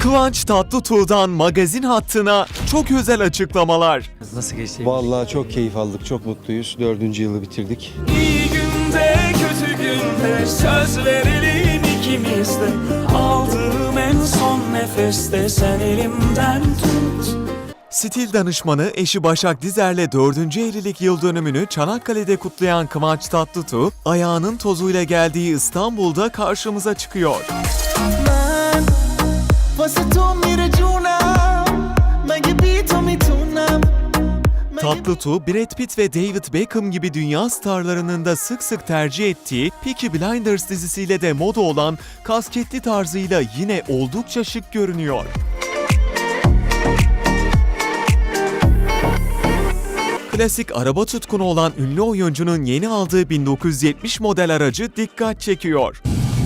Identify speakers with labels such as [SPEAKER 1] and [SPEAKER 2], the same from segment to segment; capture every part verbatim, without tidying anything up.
[SPEAKER 1] Kıvanç Tatlıtuğ'dan magazin hattına çok özel açıklamalar.
[SPEAKER 2] Nasıl geçti?
[SPEAKER 3] Vallahi çok keyif aldık, çok mutluyuz. Dördüncü yılı bitirdik.
[SPEAKER 4] İyi günde kötü günde söz verelim ikimiz de. Aldığım en son nefeste sen elimden tut.
[SPEAKER 1] Stil danışmanı eşi Başak Dizer'le dördüncü evlilik yıl dönümünü Çanakkale'de kutlayan Kıvanç Tatlıtuğ, ayağının tozuyla geldiği İstanbul'da karşımıza çıkıyor. Tatlıtuğ, Brad Pitt ve David Beckham gibi dünya starlarının da sık sık tercih ettiği Peaky Blinders dizisiyle de moda olan kasketli tarzıyla yine oldukça şık görünüyor. Klasik araba tutkunu olan ünlü oyuncunun yeni aldığı bin dokuz yüz yetmiş model aracı dikkat çekiyor.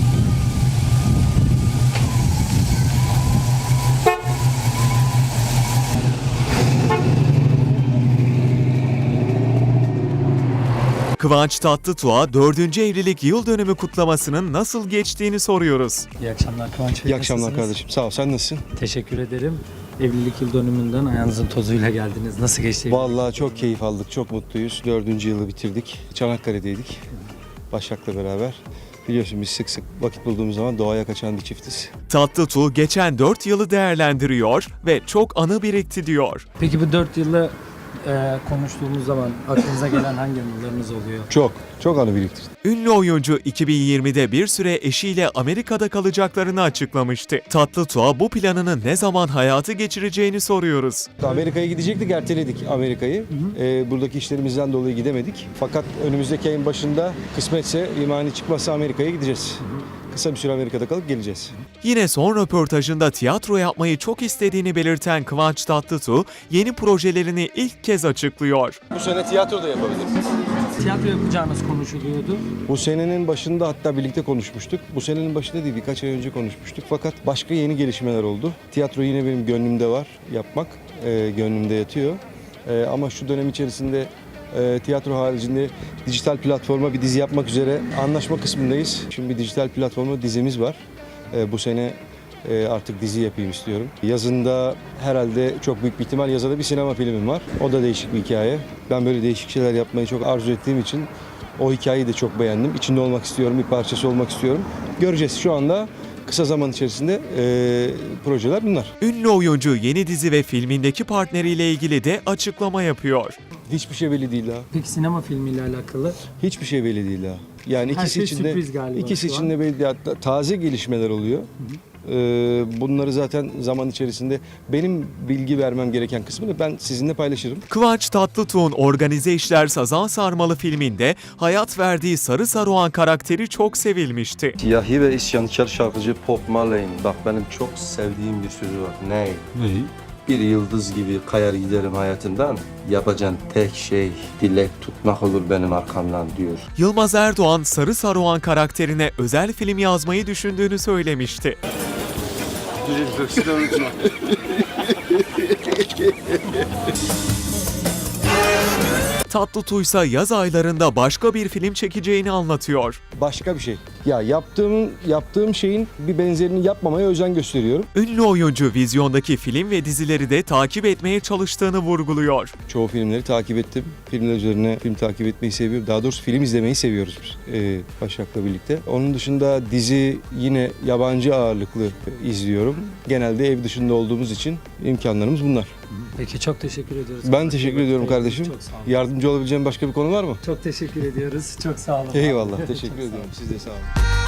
[SPEAKER 1] Kıvanç Tatlıtuğ'a dördüncü evlilik yıl dönümü kutlamasının nasıl geçtiğini soruyoruz.
[SPEAKER 2] İyi akşamlar Kıvanç Bey.
[SPEAKER 3] İyi akşamlar
[SPEAKER 2] nasılsınız?
[SPEAKER 3] kardeşim. Sağ ol. Sen nasılsın?
[SPEAKER 2] Teşekkür ederim. Evlilik yıl dönümünden ayağınızın tozuyla geldiniz. Nasıl geçti?
[SPEAKER 3] Vallahi çok keyif aldık, çok mutluyuz. Dördüncü yılı bitirdik. Çanakkale'deydik. Başak'la beraber. Biliyorsun biz sık sık vakit bulduğumuz zaman doğaya kaçan bir çiftiz.
[SPEAKER 1] Tatlıtuğ geçen dört yılı değerlendiriyor ve çok anı birikti diyor.
[SPEAKER 2] Peki bu dört yılı e, konuştuğumuz zaman aklınıza gelen hangi anılarınız oluyor?
[SPEAKER 3] Çok, çok anı biriktirdik.
[SPEAKER 1] Ünlü oyuncu iki bin yirmide bir süre eşiyle Amerika'da kalacaklarını açıklamıştı. Tatlıtuğ'a bu planını ne zaman hayata geçireceğini soruyoruz.
[SPEAKER 3] Amerika'ya gidecektik, erteledik Amerika'yı. Ee, buradaki işlerimizden dolayı gidemedik. Fakat önümüzdeki ayın başında kısmetse, imani çıkmazsa Amerika'ya gideceğiz. Kısa bir süre Amerika'da kalıp geleceğiz.
[SPEAKER 1] Yine son röportajında tiyatro yapmayı çok istediğini belirten Kıvanç Tatlıtuğ, yeni projelerini ilk kez açıklıyor.
[SPEAKER 3] Bu sene tiyatro da yapabiliriz.
[SPEAKER 2] Tiyatro yapacağınız konuşuluyordu.
[SPEAKER 3] Bu senenin başında hatta birlikte konuşmuştuk. Bu senenin başında değil, birkaç ay önce konuşmuştuk. Fakat başka yeni gelişmeler oldu. Tiyatro yine benim gönlümde var, yapmak e, gönlümde yatıyor. E, ama şu dönem içerisinde e, tiyatro haricinde dijital platforma bir dizi yapmak üzere anlaşma kısmındayız. Şimdi bir dijital platforma dizimiz var. E, bu sene e, artık dizi yapayım istiyorum. Yazında herhalde çok büyük bir ihtimal yazada bir sinema filmim var. O da değişik bir hikaye. Ben böyle değişik şeyler yapmayı çok arzu ettiğim için o hikayeyi de çok beğendim. İçinde olmak istiyorum, bir parçası olmak istiyorum. Göreceğiz şu anda. Kısa zaman içerisinde e, projeler bunlar.
[SPEAKER 1] Ünlü oyuncu yeni dizi ve filmindeki partneriyle ilgili de açıklama yapıyor.
[SPEAKER 3] Hiçbir şey belli değil daha.
[SPEAKER 2] Peki sinema filmiyle alakalı?
[SPEAKER 3] Hiçbir şey belli değil daha. Yani
[SPEAKER 2] Her
[SPEAKER 3] ikisi
[SPEAKER 2] şey
[SPEAKER 3] içinde
[SPEAKER 2] sürpriz galiba
[SPEAKER 3] ikisi
[SPEAKER 2] şu an.
[SPEAKER 3] içinde belli değil. Hatta taze gelişmeler oluyor. Ee, bunları zaten zaman içerisinde benim bilgi vermem gereken kısmını ben sizinle paylaşırım.
[SPEAKER 1] Kıvanç Tatlıtuğ'un Organize İşler Sazan Sarmalı filminde hayat verdiği Sarı Saruhan karakteri çok sevilmişti.
[SPEAKER 5] Siyahi ve isyankar şarkıcı Bob Marley'in bak benim çok sevdiğim bir sözü var. Ne? Bir yıldız gibi kayar giderim hayatından. Yapacağın tek şey dilek tutmak olur benim arkamdan diyor.
[SPEAKER 1] Yılmaz Erdoğan Sarı Saruhan karakterine özel film yazmayı düşündüğünü söylemişti. Tatlıtuğ ise yaz aylarında başka bir film çekeceğini anlatıyor.
[SPEAKER 3] Başka bir şey. Ya yaptığım yaptığım şeyin bir benzerini yapmamaya özen gösteriyorum.
[SPEAKER 1] Ünlü oyuncu vizyondaki film ve dizileri de takip etmeye çalıştığını vurguluyor.
[SPEAKER 3] Çoğu filmleri takip ettim. Filmler üzerine film takip etmeyi seviyorum. Daha doğrusu film izlemeyi seviyoruz biz e, Başak'la birlikte. Onun dışında dizi yine yabancı ağırlıklı izliyorum. Genelde ev dışında olduğumuz için imkanlarımız bunlar.
[SPEAKER 2] Peki çok teşekkür ediyoruz.
[SPEAKER 3] Ben teşekkür ediyorum kardeşim.
[SPEAKER 2] Çok sağ olun.
[SPEAKER 3] Yardımcı olabileceğim başka bir konu var mı?
[SPEAKER 2] Çok teşekkür ediyoruz. Çok sağ olun.
[SPEAKER 3] Eyvallah. Teşekkür ediyorum. Siz de sağ olun.